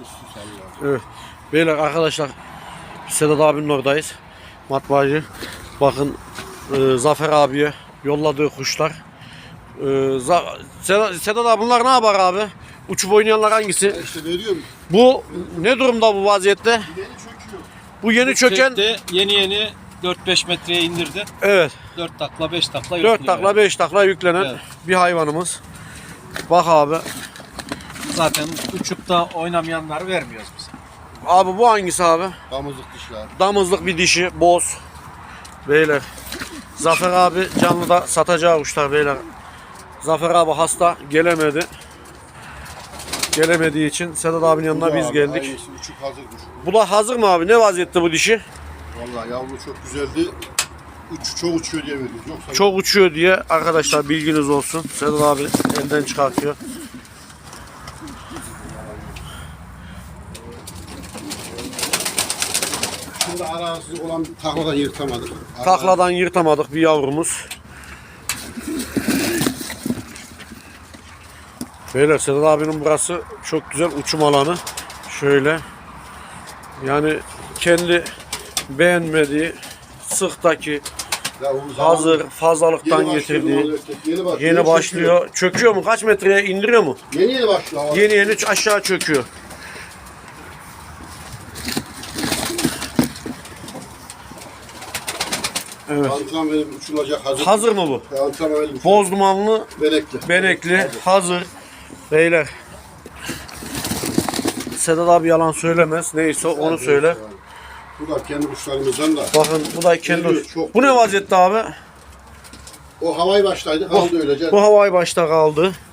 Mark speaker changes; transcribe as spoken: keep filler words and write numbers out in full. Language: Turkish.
Speaker 1: Evet. Beyler arkadaşlar Sedat abinin oradayız. Matbaacı. Bakın e, Zafer abiye yolladığı kuşlar. E, Sedat, Sedat abi bunlar ne yapar abi? Uçup oynayanlar hangisi?
Speaker 2: Ya işte veriyorum.
Speaker 1: Bu ne durumda bu vaziyette?
Speaker 2: Yeni çöküyor.
Speaker 1: Bu yeni
Speaker 3: Bu
Speaker 1: çöken.
Speaker 3: çekti, yeni yeni dört beş metreye indirdi.
Speaker 1: Evet.
Speaker 3: dört takla beş takla
Speaker 1: dört
Speaker 3: yüklüyor
Speaker 1: takla
Speaker 3: yani.
Speaker 1: beş takla yüklenen
Speaker 3: Evet.
Speaker 1: bir hayvanımız. Bak abi.
Speaker 3: Zaten uçup da oynamayanları vermiyoruz biz.
Speaker 1: Abi bu hangisi abi?
Speaker 2: Damızlık dişler.
Speaker 1: Damızlık bir dişi, boz. Beyler. Zafer abi canlıda satacağı kuşlar beyler. Zafer abi hasta, gelemedi. Gelemediği için Sedat abinin yanına
Speaker 2: Bu
Speaker 1: biz
Speaker 2: abi,
Speaker 1: geldik.
Speaker 2: aynısı, uçuk hazır kuş.
Speaker 1: Bu da hazır mı abi? Ne vaziyette bu dişi?
Speaker 2: Vallahi yavru çok güzeldi. Uç, çok uçuyor diye veriyoruz. Yoksa
Speaker 1: Çok uçuyor diye arkadaşlar bilginiz olsun. Sedat abi elden çıkartıyor.
Speaker 2: Şimdi arasız olan takladan yırtamadık.
Speaker 1: Takladan yırtamadık bir yavrumuz. Beyler Sedat abinin burası çok güzel uçum alanı. Şöyle. Yani kendi beğenmediği sıktaki
Speaker 2: Ya o zaman
Speaker 1: hazır fazlalıktan
Speaker 2: yeni başlıyor
Speaker 1: getirdiği
Speaker 2: bunlar erkek, Yeni, baş-
Speaker 1: yeni başlıyor. Çöküyor mu? Kaç metreye indiriyor mu?
Speaker 2: Yeni yeni başlıyor. ama.
Speaker 1: Yeni yeni aşağı çöküyor. Evet.
Speaker 2: Antrenman verip uçulacak hazır.
Speaker 1: Hazır mı bu?
Speaker 2: Antrenman verip
Speaker 1: Boz dumanlı,
Speaker 2: benekli.
Speaker 1: benekli, hazır. Beyler. Sedat abi yalan söylemez. Neyse onu söyle.
Speaker 2: Bu da kendi kuşlarımızdan da.
Speaker 1: Bakın bu da kendi.
Speaker 2: Geliyor, çok
Speaker 1: Bu ne vaziyette abi?
Speaker 2: O havayı başlaydı kaldı öylece.
Speaker 1: Bu havai başta kaldı.